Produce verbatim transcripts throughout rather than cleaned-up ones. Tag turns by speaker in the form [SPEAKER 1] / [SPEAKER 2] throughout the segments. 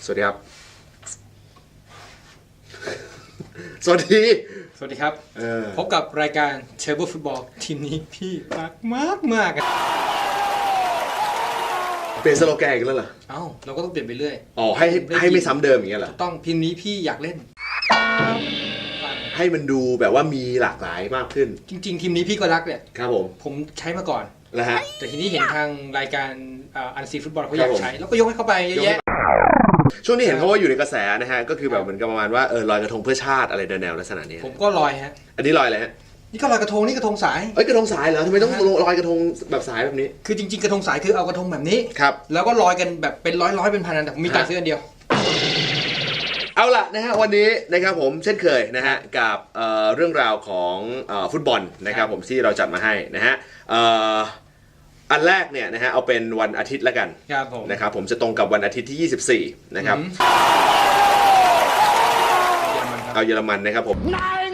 [SPEAKER 1] สวัสดีครับสวัสดี
[SPEAKER 2] สวัสดีครับพบกับรายการเทเบิลฟุตบอลทีมนี้พี่รักมากมาก
[SPEAKER 1] เปลี่ยนสโลแกนอีกแล้วเหรอ
[SPEAKER 2] เอ้าเราก็ต้องเปลี่ยนไปเรื่อย
[SPEAKER 1] อ๋อให้ให้ไม่ซ้ำเดิมอย่างเงี้ยเหรอ
[SPEAKER 2] ต้องทีมนี้พี่อยากเล่น
[SPEAKER 1] ให้มันดูแบบว่ามีหลากหลายมากขึ้น
[SPEAKER 2] จริงๆทีมนี้พี่ก็รักเนี่ย
[SPEAKER 1] ครับผม
[SPEAKER 2] ผมใช้มาก่อน
[SPEAKER 1] แล้วฮะ
[SPEAKER 2] แต่ทีนี้เห็นทางรายการอันซีฟุตบอลเขาอยากใช้แล้วก็ยกให้เขาไปเยอะแยะ
[SPEAKER 1] ช่วงนี้เห็นเขาว่าอยู่ในกระแสนะฮะก็คือแบบเหมือนกับประมาณว่าเออลอยกระทงเพื่อชาติอะไรแนวลักษณะนี้
[SPEAKER 2] ผมก็ลอยฮะ
[SPEAKER 1] อันนี้ลอยอะไรฮะ
[SPEAKER 2] นี่ก็ลอยกระทงนี่กระทงสาย
[SPEAKER 1] เอ้ยกระทงสายเหรอทำไมต้องลอยกระทงแบบสายแบบนี้
[SPEAKER 2] คือจริงๆกระทงสายคือเอากระทงแบบนี้
[SPEAKER 1] ครับ
[SPEAKER 2] แล้วก็ลอยกันแบบเป็นร้อยร้อยเป็นพันอันแต่ผมมีตังค์ซื้ออันเดียว
[SPEAKER 1] เอาล่ะนะฮะวันนี้นะครับผมเช่นเคยนะฮะกับเอ่อเรื่องราวของเอ่อฟุตบอลนะครับผมที่เราจัดมาให้นะฮะเอ่ออันแรกเนี่ยนะฮะเอาเป็นวันอาทิตย์ละกัน
[SPEAKER 2] ครับผม
[SPEAKER 1] นะครับผมจะตรงกับวันอาทิตย์ที่ยี่สิบสี่นะครับเอาเยอรมันนะครับผม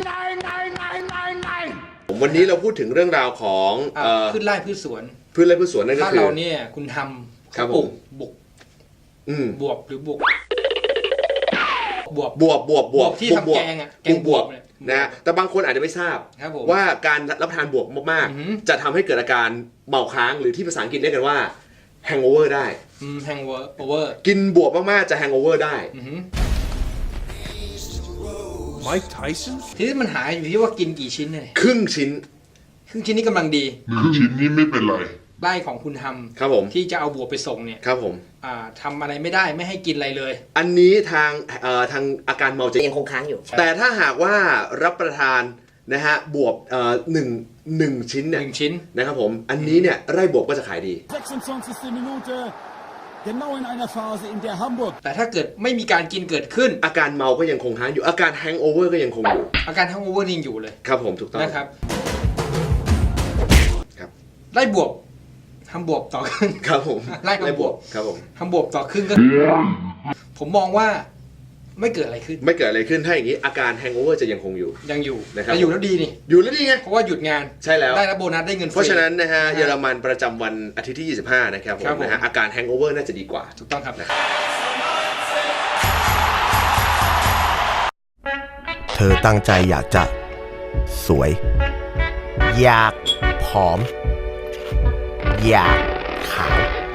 [SPEAKER 1] ผมวันนี้เราพูดถึงเรื่องราวของ
[SPEAKER 2] พืชไร่พืชสวน
[SPEAKER 1] พืชไร่พืชสวนนั่นก็คือ
[SPEAKER 2] ถ้าเราเนี่ยคุณทำ
[SPEAKER 1] ครับผม
[SPEAKER 2] บุกบวบหรือบุกบวบบ
[SPEAKER 1] วบบวบบวบ
[SPEAKER 2] ที่ทำแกงอ่ะแกงบวบ
[SPEAKER 1] นะฮะแต่บางคนอาจจะไม่ทราบว่าการรับประทานบวบมากๆจะทำให้เกิดอาการเมาค้างหรือที่ภาษาอังกฤษเรียกกันว่า hangover ได้
[SPEAKER 2] hangover
[SPEAKER 1] กินบวบมากๆจะ hangover ได้
[SPEAKER 3] ไมค์ไทสัน
[SPEAKER 2] ทีนี้มันหายอยู่ที่ว่ากินกี่ชิ้นเลย
[SPEAKER 1] ครึ่งชิ้น
[SPEAKER 2] ครึ่งชิ้นนี้กำลังดี
[SPEAKER 3] หนึ่งชิ้นนี้ไม่เป็นไร
[SPEAKER 2] ไร่ของคุณทำ
[SPEAKER 1] ครับผม
[SPEAKER 2] ที่จะเอาบวบไปส่งเนี่ย
[SPEAKER 1] ครับผม
[SPEAKER 2] อ่าทำอะไรไม่ได้ไม่ให้กินอะไรเลย
[SPEAKER 1] อันนี้ทางเอ่อทางอาการเมาจะ
[SPEAKER 4] ยังคงค้างอยู่
[SPEAKER 1] แต่ถ้าหากว่ารับประทานนะฮะบวบเอ่อหนึ่งหนึ่งชิ้นเนี่ย
[SPEAKER 2] หนึ่งชิ้น
[SPEAKER 1] นะครับผมอันนี้เนี่ยไร่บวบก็จะขายดี
[SPEAKER 2] แต่ถ้าเกิดไม่มีการกินเกิดขึ้น
[SPEAKER 1] อาการเมาก็ยังคงค้างอยู่อาการแฮงโอเวอร์ก็ยังคงอยู่
[SPEAKER 2] อาการแฮงโอเวอร์ยังอยู่เลย
[SPEAKER 1] ครับผมถูกต้อง
[SPEAKER 2] นะครับครับไร่บวบทำบวบต่อครึ่ง
[SPEAKER 1] ครับผม
[SPEAKER 2] ไล่ทำบวบ
[SPEAKER 1] ครับผม
[SPEAKER 2] ทำบวบต่อครึ่งก็ผมมองว่าไม่เกิดอะไรขึ้น
[SPEAKER 1] ไม่เกิดอะไรขึ้นถ้าอย่างนี้อาการแฮงโอเวอร์จะยังคงอยู่
[SPEAKER 2] ยังอยู่
[SPEAKER 1] นะครับ
[SPEAKER 2] อยู่แล้วดีนี่
[SPEAKER 1] อยู่แล้วดีไง
[SPEAKER 2] เพราะว่าหยุดงาน
[SPEAKER 1] ใช่แล้ว
[SPEAKER 2] ได้รับโบนัสได้เงินฟรี
[SPEAKER 1] เพราะฉะนั้นนะฮะเยอรมันประจำวันอาทิตย์ที่ยี่สิบห้านะครับผมนะฮะอาการแฮงโอเวอร์น่าจะดีกว่า
[SPEAKER 2] ถูกต้องครับ
[SPEAKER 5] เธอตั้งใจอยากจะสวยอยากผอมอยากขาว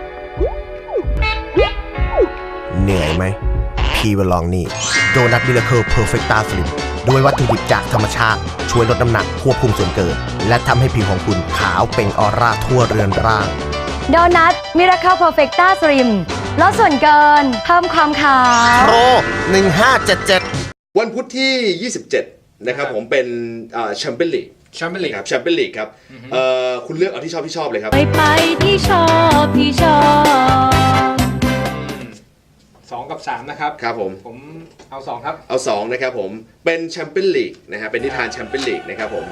[SPEAKER 5] เหนื่อยไหมพี่วลองนี่โดนัทมิราเคิลเพอร์เฟคต้าสลิมด้วยวัตถุดิบจากธรรมชาติช่วยลดน้ำหนักควบคุมส่วนเกินและทำให้ผิวของคุณขาวเปล่งออร่าทั่วเรือนร่าง
[SPEAKER 6] โดนัทมิราเคิลเพอร์เฟคต้าสลิมลดส่วนเกินเพิ่มความขาว
[SPEAKER 5] โปรหนึ่งห้าเจ็ดเจ็ด
[SPEAKER 1] วันพุธที่ยี่สิบเจ็ดนะครับผมเป็นแชมเปี้ยนลีก
[SPEAKER 2] แชมเปี้ยนลีก
[SPEAKER 1] ครับแชมเปี้ยนลีกครับคุณเลือกเอาที่ชอบที่ชอบเลยครับ
[SPEAKER 6] ไปไปที่ชอบที่ชอบ
[SPEAKER 2] สองกับสามนะครับ
[SPEAKER 1] ครับผม
[SPEAKER 2] ผมเอาสองครับ
[SPEAKER 1] เอาสองนะครับผมเป็นแชมเปี้ยนลีกนะฮะเป็นนิทานแชมเปี้ยนลีกนะครับผม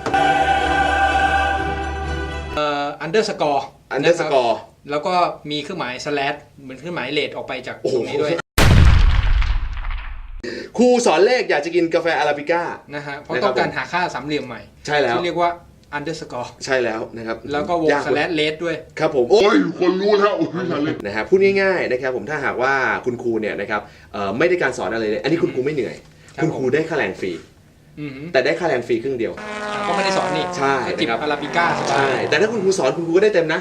[SPEAKER 2] เอ่ออันเดอร์สกอร์
[SPEAKER 1] อันเดอร์สกอร์
[SPEAKER 2] แล้วก็มีเครื่องหมายสแลชเหมือนเครื่องหมายเลทออกไปจากตรงนี้ด้วย
[SPEAKER 1] ครูสอนเลขอยากจะกินกาแฟอาราบิก้า
[SPEAKER 2] นะฮะเพราะต้องการหาค่าสามเหลี่ยมใหม่
[SPEAKER 1] ใช่แล้ว
[SPEAKER 2] ที่เรียกว่าอันเดอร์สกอร์
[SPEAKER 1] ใช่แล้วนะครับ
[SPEAKER 2] แล้วก็วงสแลชเลทด้วย
[SPEAKER 1] ครับผม
[SPEAKER 3] โอ้ยคนรู้แล้ว
[SPEAKER 1] นะฮะพูดง่ายๆนะครับผมถ้าหากว่าคุณครูเนี่ยนะครับไม่ได้การสอนอะไรเลยอันนี้คุณครูไม่เหนื่อยคุณครูได้ค่าแรงฟรีแต่ได้ค่าแรงฟรีครึ่งเดียว
[SPEAKER 2] ก็ไม่ได้สอนนี่
[SPEAKER 1] ใช่
[SPEAKER 2] จิบอาราบิก้า
[SPEAKER 1] ใช่แต่ถ้าคุณครูสอนคุณครูก็ได้เต็มนะ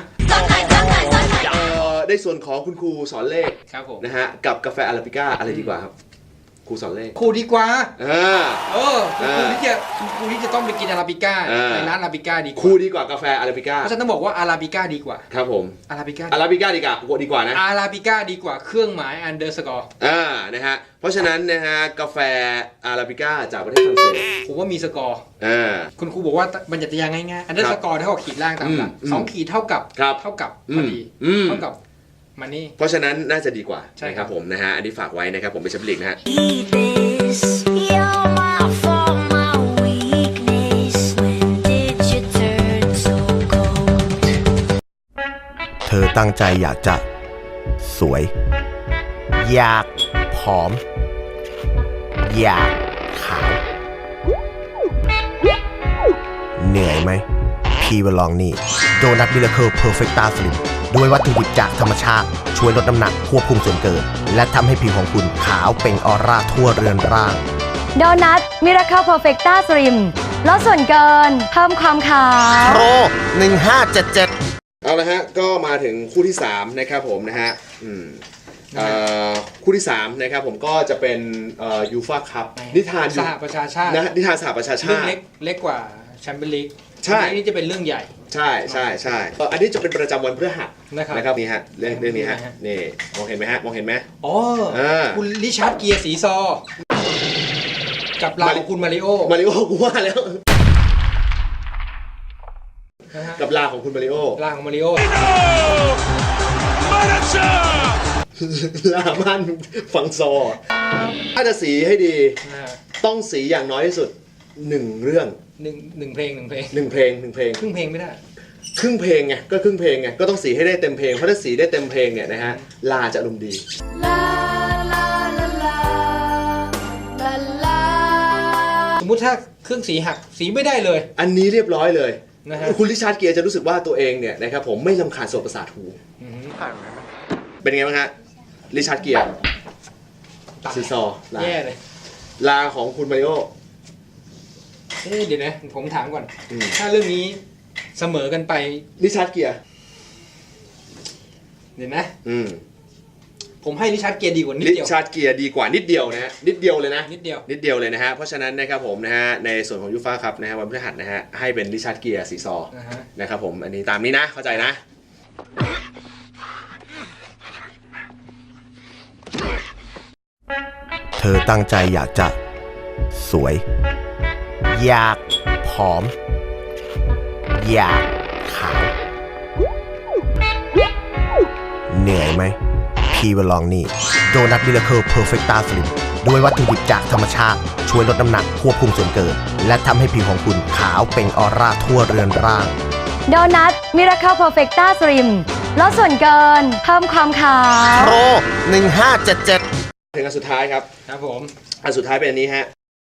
[SPEAKER 1] ได้ส่วนของคุณครูสอนเลขนะฮะกับกาแฟอาราบิก้าอะไรดีกว่าครับครูสอนเลข
[SPEAKER 2] ครูดีกว่า
[SPEAKER 1] เออ
[SPEAKER 2] เออครูที่จะครูที่จะต้องไปกินอาราบิก้าในร้านอาราบิก้าดีกว่า
[SPEAKER 1] ครูดีกว่ากาแฟอาราบิก้า
[SPEAKER 2] เพราะฉะนั้นต้องบอกว่าอาราบิก้าดีกว่า
[SPEAKER 1] ครับผม
[SPEAKER 2] อาราบิก้า
[SPEAKER 1] อาราบิก้าดีกว่าดีกว่านะ
[SPEAKER 2] อาราบิก้าดีกว่าเครื่องหมายอันเดอร์สกอร์
[SPEAKER 1] อ่านะฮะเพราะฉะนั้นนะฮะกาแฟอาราบิก้าจากประเทศฝรั่งเศส
[SPEAKER 2] ผมว่ามีสกอร์
[SPEAKER 1] อ่า
[SPEAKER 2] คุณครูบอกว่าบรรยัติยางง่ายๆอันเดอร์สกอร์เท่ากับขีดล่างตามหลักสองขีดเท่ากับเท่ากับพอดีเท่ากับมันนี่
[SPEAKER 1] เพราะฉะนั้นน่าจะดีกว่าใช่ครับผมนะฮะอันนี้ฝากไว้นะครับผมเป็นแชมเปี้ยนลีกนะฮะ
[SPEAKER 5] เธอตั้งใจอยากจะสวยอยากผอมอยากขาวเหนื่อยไหมพี่วลองนี่โดนัทมิราเคิลเพอร์เฟคต้าสลิมด้วยวัตถุดิบจากธรรมชาติ ช่วยลดน้ำหนักควบคุมส่วนเกิน และทำให้ผิวของคุณขาวเปล่งออร่าทั่วเรือนร่าง
[SPEAKER 6] โดนัทมิราเคิลเพอร์เฟกต้าสลิมลดส่วนเกินเพิ่มความขาว
[SPEAKER 5] โปรหนึ่งห้าเจ็ดเจ็ด
[SPEAKER 1] เอาละฮะก็มาถึงคู่ที่สามนะครับผมนะฮะอืมเอ่อคู่ที่สามนะครับผมก็จะเป็นเอ่อยูฟ่าคัพนิทาน
[SPEAKER 2] สหประชาชาติ
[SPEAKER 1] นะนิทานสหประชา
[SPEAKER 2] เรื่อง
[SPEAKER 1] ชาติ
[SPEAKER 2] เล็กเล็กกว่าแชมเปี้ยนลีก
[SPEAKER 1] ใช่
[SPEAKER 2] อันนี้จะเป็นเรื่องใหญ่
[SPEAKER 1] ใช่ใช่ใช่เอ่ออันนี้จะเป็นประจำวันพฤหัส
[SPEAKER 2] นะครับ
[SPEAKER 1] นะครับนี่ฮะเรื่องเรื่องนี้ฮะ
[SPEAKER 2] นะฮะ
[SPEAKER 1] นี่มองเห็นไหมฮะมองเห็นไหม
[SPEAKER 2] อ๋อ
[SPEAKER 1] อ่า
[SPEAKER 2] คุณริชาร์ดเกียร์สีซอ กับลาของคุณมาริโอ
[SPEAKER 1] มาริโอกูว่าแล้ว
[SPEAKER 2] นะฮะ
[SPEAKER 1] กับลาของคุณมาริโอ
[SPEAKER 2] ลาของมาริโอ
[SPEAKER 1] ลามันฟังซอถ้าจะสีให้ดี
[SPEAKER 2] นะฮะ
[SPEAKER 1] ต้องสีอย่างน้อยที่สุดหนึ่งเรื่อง
[SPEAKER 2] หนึ่งหนึ่งเพลงหนึ่งเพลง
[SPEAKER 1] หนึ่งเพลงหนึ่งเพลง
[SPEAKER 2] ครึ่งเพลงไม่ได้
[SPEAKER 1] ครึ่งเพลงไงก็ครึ่งเพลงไงก็ต้องสีให้ได้เต็มเพลงเพราะถ้าสีได้เต็มเพลงเนี่ยนะฮะลาจะอารมณ์ดี
[SPEAKER 6] ลาลาลาลาลาลา
[SPEAKER 2] สมมุติถ้าเครื่องสีหักสีไม่ได้เลย
[SPEAKER 1] อันนี้เรียบร้อยเลย
[SPEAKER 2] นะฮะ
[SPEAKER 1] คุณริชาร์ดเกียร์จะรู้สึกว่าตัวเองเนี่ยนะครับผมไม่ลำคาญโสตประสาทหู
[SPEAKER 2] อืม
[SPEAKER 1] เป็นไงบ้างฮะริชาร์ดเกียร์
[SPEAKER 2] ตาย
[SPEAKER 1] ซีซอลา
[SPEAKER 2] แย่เลย
[SPEAKER 1] ลาของคุณมาริโอ
[SPEAKER 2] เอ๊ะเดี๋ยวนะผมถามก่อน
[SPEAKER 1] อืม
[SPEAKER 2] ถ้าเรื่องนี้เสมอกันไป
[SPEAKER 1] ริชาร์ดเกียร์
[SPEAKER 2] เดี๋ยวนะ
[SPEAKER 1] อืม
[SPEAKER 2] ผมให้ริชาร์ดเกียร์ดีกว่านิด
[SPEAKER 1] ริ
[SPEAKER 2] เดียว
[SPEAKER 1] ชาร์ดเกียร์ดีกว่านิดเดียวนะฮะนิดเดียวเลยนะ
[SPEAKER 2] นิดเดียว
[SPEAKER 1] นิดเดียวเลยนะฮะเพราะฉะนั้นนะครับผมนะฮะในส่วนของยูฟ่าครับนะฮะวันพฤหัสนะฮะให้เป็นริชาร์ดเกียร์ซีซอ
[SPEAKER 2] นะฮะ
[SPEAKER 1] นะครับผมอันนี้ตามนี้นะเข้าใจนะ
[SPEAKER 5] เธอตั้งใจอยากจะสวย อยากผอม อยากขาว เหนื่อยไหม พี่ว่าลองนี่โดนัทมิราเคิลเพอร์เฟกต้าสลิมด้วยวัตถุดิบจากธรรมชาติ ช่วยลดน้ำหนักควบคุมส่วนเกิน และทำให้ผิวของคุณขาวเปล่งออร่าทั่วเรือนร่าง
[SPEAKER 6] โดนัทมิราเคิลเพอร์เฟกต้าสลิมลดส่วนเกินเพิ่มความขาว
[SPEAKER 5] โปรหนึ่งห้าเจ็ดเจ็ด
[SPEAKER 1] ถึงอันสุดท้ายครับ
[SPEAKER 2] ครับผม
[SPEAKER 1] อันสุดท้ายเป็นอันนี้ฮะ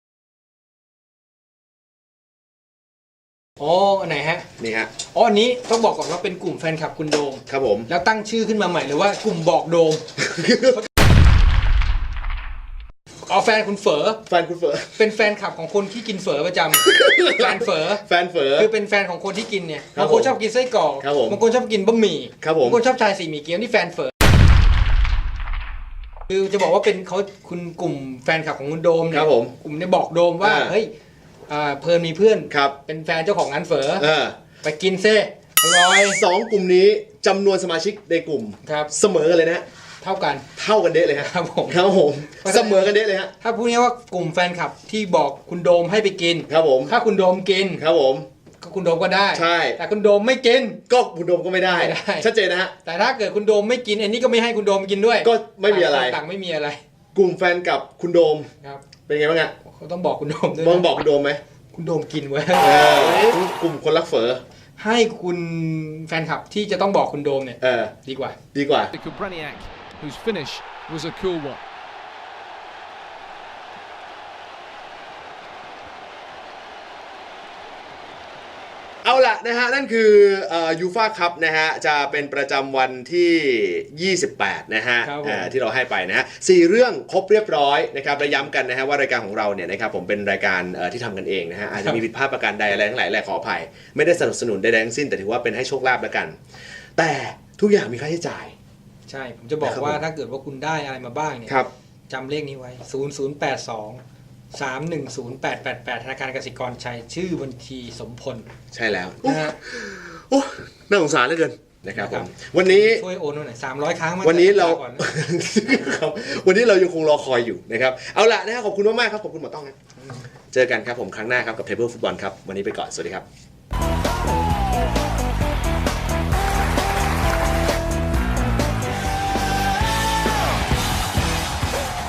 [SPEAKER 2] อ๋ออันไหนฮะ
[SPEAKER 1] นี่ฮะ
[SPEAKER 2] อ๋ออันนี้ต้องบอกก่อนว่าเป็นกลุ่มแฟนคลับคุณโดม
[SPEAKER 1] ครับผม
[SPEAKER 2] แล้วตั้งชื่อขึ้นมาใหม่เลยว่ากลุ่มบอกโดม เอาแฟนคุณเฝอ
[SPEAKER 1] แฟนคุณเฟอร์
[SPEAKER 2] เป็นแฟนคลับของคนที่กินเฝอประจำ แฟนเฝอ
[SPEAKER 1] แฟนเฟอร์
[SPEAKER 2] คือเป็นแฟนของคนที่กินเนี่ย
[SPEAKER 1] ครับ
[SPEAKER 2] บางคนชอบกินไส้กรอก
[SPEAKER 1] ครับผม
[SPEAKER 2] บางคนชอบกินบะหมี่
[SPEAKER 1] ครับผม
[SPEAKER 2] บางคนชอบชายสีหมี่เกี๊ยวนี่แฟนเฝอคือจะบอกว่าเป็นเขาคุณกลุ่มแฟนคลับของคุณโดม
[SPEAKER 1] ค
[SPEAKER 2] เนี่
[SPEAKER 1] รั
[SPEAKER 2] ย
[SPEAKER 1] บผม
[SPEAKER 2] กลุ่มเนี่ยบอกโดมว่า
[SPEAKER 1] อ่า
[SPEAKER 2] เฮ้ยอ่าเพลินมีเพื่อน
[SPEAKER 1] ครับ
[SPEAKER 2] เป็นแฟนเจ้าของร้านเฝอ
[SPEAKER 1] เออ
[SPEAKER 2] ไปกินเซ่อร่อย
[SPEAKER 1] สองกลุ่มนี้จำนวนสมาชิกในกลุ่ม
[SPEAKER 2] ครับ
[SPEAKER 1] เสมอกันเลยนะ
[SPEAKER 2] เท่ากัน
[SPEAKER 1] เท่ากันเด้เลยฮะ
[SPEAKER 2] ครับผม
[SPEAKER 1] ครับผมเสมอกันเด้เลยฮะ
[SPEAKER 2] ถ้าพูดง่ายๆว่ากลุ่มแฟนคลับที่บอกคุณโดมให้ไปกิน
[SPEAKER 1] ครับผม
[SPEAKER 2] ถ้าคุณโดมกิน
[SPEAKER 1] ครับผม
[SPEAKER 2] ก็คุณโดมก็ได้
[SPEAKER 1] ใช่
[SPEAKER 2] แต่คุณโดมไม่กิน
[SPEAKER 1] ก็คุณโดมก็ไม่ได้
[SPEAKER 2] ไม่ได้
[SPEAKER 1] ชัดเจนนะฮะ
[SPEAKER 2] แต่ถ้าเกิดคุณโดมไม่กินอันนี้ก็ไม่ให้คุณโดมกินด้วย
[SPEAKER 1] ก็ไม่มีอะไร
[SPEAKER 2] ต่างไม่มีอะไร
[SPEAKER 1] กลุ่มแฟนกับคุณโดม
[SPEAKER 2] ครับ
[SPEAKER 1] เป็นไงบ้างฮะ
[SPEAKER 2] เขาต้องบอกคุณโดมด้วย
[SPEAKER 1] มอง
[SPEAKER 2] นะ
[SPEAKER 1] บอกคุณโดมไหม
[SPEAKER 2] คุณโดมกินไว้
[SPEAKER 1] เออกลุ่มคนรักเฝอ
[SPEAKER 2] ให้คุณแฟนคลับที่จะต้องบอกคุณโดมเนี่ย
[SPEAKER 1] เออ
[SPEAKER 2] ดีกว่า
[SPEAKER 1] ดีกว่า
[SPEAKER 4] Kubraniak, whose finish was a cool one.
[SPEAKER 1] เอาล่ะนะฮะนั่นคือยูฟ่าคัพนะฮะจะเป็นประจำวันที่ ยี่สิบแปด นะฮะ
[SPEAKER 2] ครับผม
[SPEAKER 1] เอ่อที่เราให้ไปนะฮะสี่เรื่องครบเรียบร้อยนะครับและย้ำกันนะฮะว่ารายการของเราเนี่ยนะครับผมเป็นรายการเอ่อที่ทำกันเองนะฮะอาจจะมีผิดพลาดประการใดอะไรทั้งหลายแหละขออภัย ไม่ได้สนับสนุนใดๆทั้งสิ้นแต่ถือว่าเป็นให้โชคลาภแล้วกัน แต่ทุกอย่างมีค่าใช้จ่าย
[SPEAKER 2] ใช่ ผมจะบอก
[SPEAKER 1] นะครับ
[SPEAKER 2] ว่า
[SPEAKER 1] ผม
[SPEAKER 2] ถ้าเกิดว่าคุณได้อะไรมาบ้างเนี่ย
[SPEAKER 1] ครับ
[SPEAKER 2] จำเลขนี้ไว้ ศูนย์ ศูนย์ แปด สอง สาม หนึ่ง ศูนย์ แปด แปด แปด ธนาคารกสิกรชัยชื่อบัญชีสมพล
[SPEAKER 1] ใช่แล้ว
[SPEAKER 2] นะฮะ
[SPEAKER 1] โอ้น่าสงสารเหลือเกินนะครับผ
[SPEAKER 2] ครั
[SPEAKER 1] ม
[SPEAKER 2] บ
[SPEAKER 1] วันนี้
[SPEAKER 2] ช่วยโอนหน่อยสามร้อยครั้งมา
[SPEAKER 1] วันนี้เรา
[SPEAKER 2] ก่อนนะ
[SPEAKER 1] ครับวันนี้เรายังคงรอคอยอยู่นะครับเอาล่ะนะฮะขอบคุณมากๆครับขอบคุณหมอต้องนะเจอกันครับผมครั้งหน้าครับกับเทเบิลฟุตบอลครับวันนี้ไปก่อนสวัสดีครับ